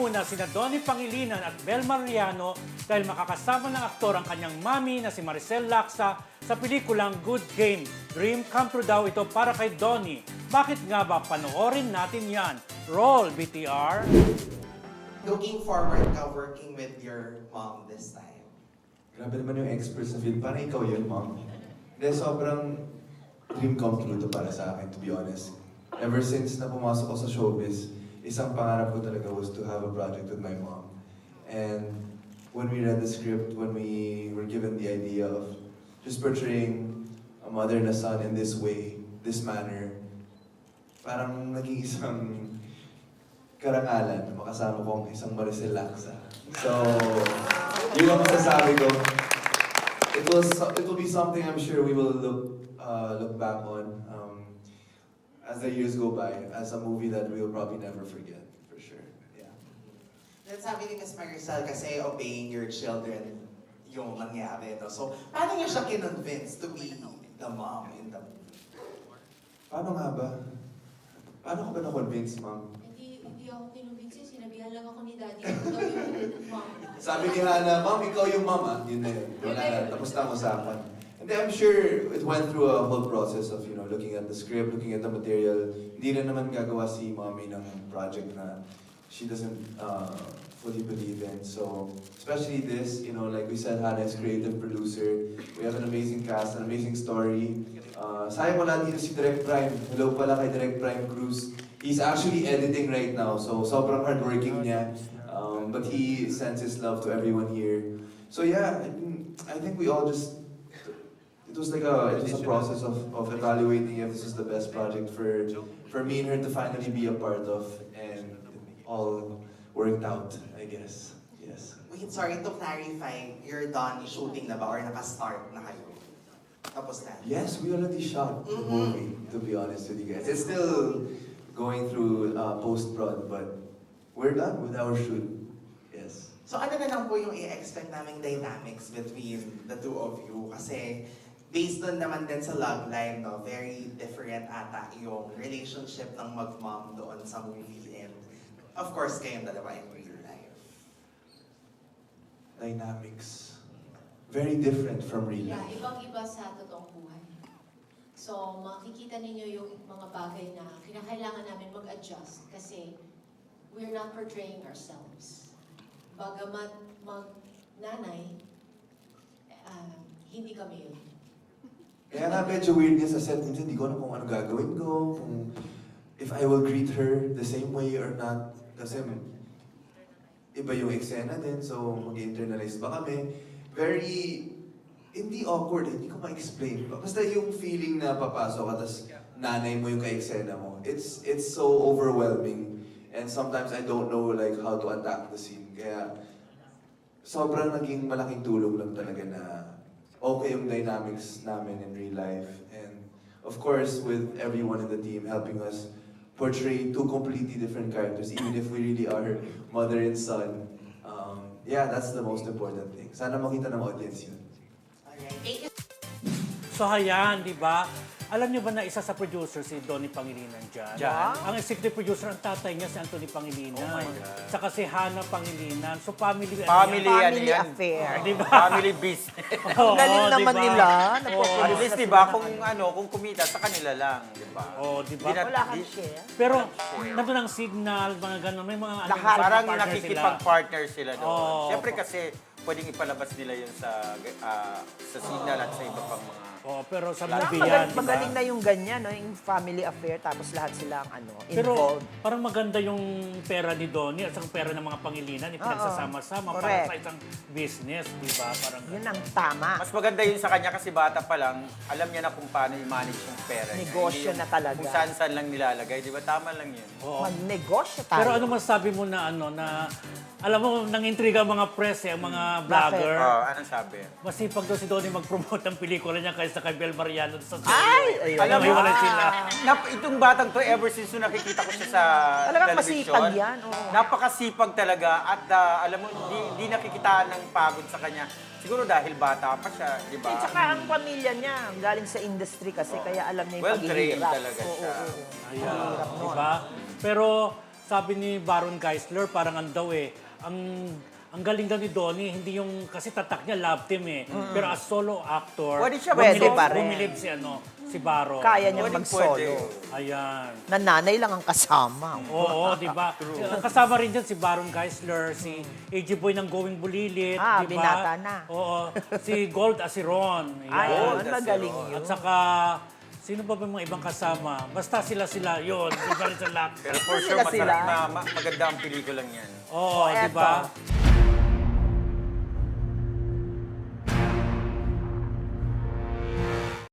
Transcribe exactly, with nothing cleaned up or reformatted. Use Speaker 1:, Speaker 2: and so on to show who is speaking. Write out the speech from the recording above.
Speaker 1: Una sina Donnie Pangilinan at Bel Mariano dahil makakasama ng aktor ang kanyang mami na si Maricel Laksa sa pelikulang Good Game. Dream come true daw ito para kay Donnie. Bakit nga ba? Panoorin natin yan. Roll, B T R!
Speaker 2: Looking forward ka working with your mom this time?
Speaker 3: Grabe naman yung expert sa film. Parang ikaw yun, mom. Hindi, sobrang dream come true to para sa akin, to be honest. Ever since na pumasok ako sa showbiz, isang pangarap ko talaga was to have a project with my mom. And when we read the script, when we were given the idea of just portraying a mother and a son in this way, this manner, parang naging isang karangalan na makasama kong isang Maricel Laksa. So, yun ang masasabi ko. It will, it will be something I'm sure we will look, uh, look back on um, as the years go by, as a movie that we will probably never forget, for sure. Yeah.
Speaker 2: Then sabi ni Miss Maricel kasi obeying your children yung nangyari. No? So, paano niyo siya kinonvince to be the mom in the movie?
Speaker 3: Paano nga ba? Paano ka ba na-convince, ma'am?
Speaker 4: Hindi, hindi ako kinumbinsin. Sinabihan lang ako ni Daddy. Ako daw yung mom.
Speaker 3: Sabi ni Hana, ma'am, ikaw yung ma'am, ah. Yun na yun. Wala na, tapos na ang usapan. And then I'm sure it went through a whole process of, you know, looking at the script, looking at the material. Hindi na naman gagawa si mommy ng project na she doesn't uh, fully believe in. So, especially this, you know, like we said, Hana is creative producer. We have an amazing cast, an amazing story. Uh, sayang wala dito si Direct Prime. Hello pala kay Direct Prime Cruz. He's actually editing right now, so sobrang hardworking niya. Um, but he sends his love to everyone here. So yeah, I, mean, I think we all just, it was like a, it was a process of, of evaluating if this is the best project for, for me and her to finally be a part of, and it all worked out, I guess. Yes.
Speaker 2: Wait, sorry to clarify, you're done shooting na ba or naka-start na kayo? Tapos na?
Speaker 3: Yes, we already shot the
Speaker 2: Mhm.
Speaker 3: movie, to be honest with you guys. It's still going through uh, post-prod, but we're done with our shoot. Yes.
Speaker 2: So ano na lang po yung i-expect naming dynamics between the two of you? Kasi based on naman din sa love line, no, very different ata yung relationship ng mag-mom doon sa movie and of course kayong dalawa in real life.
Speaker 3: Dynamics. Very different from real
Speaker 4: Yeah,
Speaker 3: life.
Speaker 4: ibang-iba sa totoong buhay. So, makikita ninyo yung mga bagay na kinakailangan namin mag-adjust kasi we're not portraying ourselves. Bagamat mag-nanay, uh, hindi kami yun.
Speaker 3: Kaya nga medyo weird niya sa set. Minsan hindi ko alam kung ano gagawin ko, kung if I will greet her the same way or not. Kasi iba yung eksena din, so mag-internalize ba kami? Very, hindi awkward, hindi ko ma-explain. Basta yung feeling na papasok ka, tas nanay mo yung ka-eksena mo. It's, it's so overwhelming. And sometimes I don't know like how to attack the scene. Kaya sobrang naging malaking tulong lang talaga na okay yung dynamics namin in real life. And of course, with everyone in the team helping us portray two completely different characters, even if we really are mother and son. Um, yeah, that's the most important thing. Sana makita ng audience yun.
Speaker 2: Alright, thank you.
Speaker 1: So hayan, di ba? Alam niyo ba na isa sa producer si Donnie Pangilinan dyan?
Speaker 5: Dyan?
Speaker 1: Ang executive producer, ang tatay niya si Anthony Pangilinan.
Speaker 5: Oh my God.
Speaker 1: Saka si Hana Pangilinan. So family,
Speaker 5: Family,
Speaker 1: ano yan?
Speaker 5: ano
Speaker 6: Family
Speaker 5: yan?
Speaker 6: affair.
Speaker 1: Di ba?
Speaker 5: Family business.
Speaker 1: Oo,
Speaker 6: Galing
Speaker 1: di
Speaker 6: naman
Speaker 1: ba?
Speaker 6: nila.
Speaker 1: Oo.
Speaker 6: Napoproduce
Speaker 5: At least,
Speaker 6: na
Speaker 5: di
Speaker 6: sila
Speaker 5: ba,
Speaker 6: ng
Speaker 5: kung
Speaker 6: ano.
Speaker 5: ano, kung kumita, sa kanila lang, di ba?
Speaker 1: Oo, di ba?
Speaker 5: Di na-
Speaker 6: Wala kang
Speaker 5: di-
Speaker 6: share.
Speaker 1: Pero nandun ang signal, mga gano'n, may mga ano,
Speaker 6: Lahat.
Speaker 5: Parang
Speaker 1: partner sila.
Speaker 5: nakikipag-partner sila doon.
Speaker 1: Oo.
Speaker 5: Siyempre kasi, pwedeng ipalabas nila yun sa ah, sa signal at sa iba pang mga...
Speaker 1: Oo, pero sa
Speaker 5: Lahat.
Speaker 1: movie
Speaker 6: Magaling,
Speaker 1: yan, di ba?
Speaker 6: magaling na yung ganyan, no? Yung family affair, tapos lahat silang ano,
Speaker 1: Pero
Speaker 6: involved.
Speaker 1: parang maganda yung pera ni Donnie at ang pera ng mga Pangilinan, ipinagsasama-sama para
Speaker 6: Correct.
Speaker 1: sa isang business, di ba? Parang
Speaker 6: Yun ang tama.
Speaker 5: Mas maganda yun sa kanya kasi bata pa lang, alam niya na kung paano i-manage yung pera niya.
Speaker 6: Negosyo
Speaker 5: Hindi yung
Speaker 6: na talaga.
Speaker 5: Kung saan-saan lang nilalagay, di ba? Tama lang yun.
Speaker 1: Oo.
Speaker 6: Magnegosyo tayo.
Speaker 1: Pero ano masabi mo na ano na alam mo nang intriga ang mga press eh, ang mga vlogger.
Speaker 5: Oh, anong sabi?
Speaker 1: Masipag daw si Donnie mag-promote ng pelikula niya kaysa kay Bel Mariano sa
Speaker 6: Ay!
Speaker 1: Alam mo,
Speaker 5: Alam mo,
Speaker 1: wala sila.
Speaker 5: Nap, itong batang to, ever since nung nakikita ko siya sa
Speaker 6: Talagang
Speaker 5: television,
Speaker 6: masipag yan, oo.
Speaker 5: napakasipag talaga at ah, alam mo, hindi, hindi nakikitaan ng pagod sa kanya. Siguro dahil bata pa siya, di
Speaker 6: At
Speaker 5: ba?
Speaker 6: saka ang pamilya niya, galing sa industry kasi, kaya alam niya yung
Speaker 5: Well-trained
Speaker 6: paghihirap.
Speaker 5: talaga
Speaker 6: Oo,
Speaker 5: siya.
Speaker 6: oo, oo.
Speaker 1: Ayan,
Speaker 6: Mahirap
Speaker 1: di
Speaker 6: nun.
Speaker 1: ba? Pero sabi ni Baron Geisler, parang ang daw eh, ang ang galing daw ni Donnie, hindi yung, kasi tatak niya love team eh. Pero as solo actor,
Speaker 5: Pwede siya
Speaker 6: Pwede
Speaker 1: bumilib-
Speaker 6: pa rin.
Speaker 1: bumilib si ano, si Baron.
Speaker 6: Kaya niyang
Speaker 5: Pwede,
Speaker 6: mag-solo.
Speaker 5: pwede.
Speaker 1: Ayan.
Speaker 6: Nananay lang ang kasama.
Speaker 1: Oo, di ba? Kasama rin dyan si Baron Geisler, si A J Boy ng Going Bulilit,
Speaker 6: Ah,
Speaker 1: di ba?
Speaker 6: binata na.
Speaker 1: Oo, si Gold Asiron.
Speaker 6: Ay,
Speaker 1: Ayan.
Speaker 6: yun, magaling yun.
Speaker 1: At saka, sino pa ba yung mga ibang kasama? Basta sila-sila, yun. Si Maricel Lacsa.
Speaker 5: Pero for sure,
Speaker 6: Sila-sila.
Speaker 5: masarap na ma- maganda ang pelikulang yan.
Speaker 1: Oo,
Speaker 6: Oh,
Speaker 1: di ba?
Speaker 6: eto.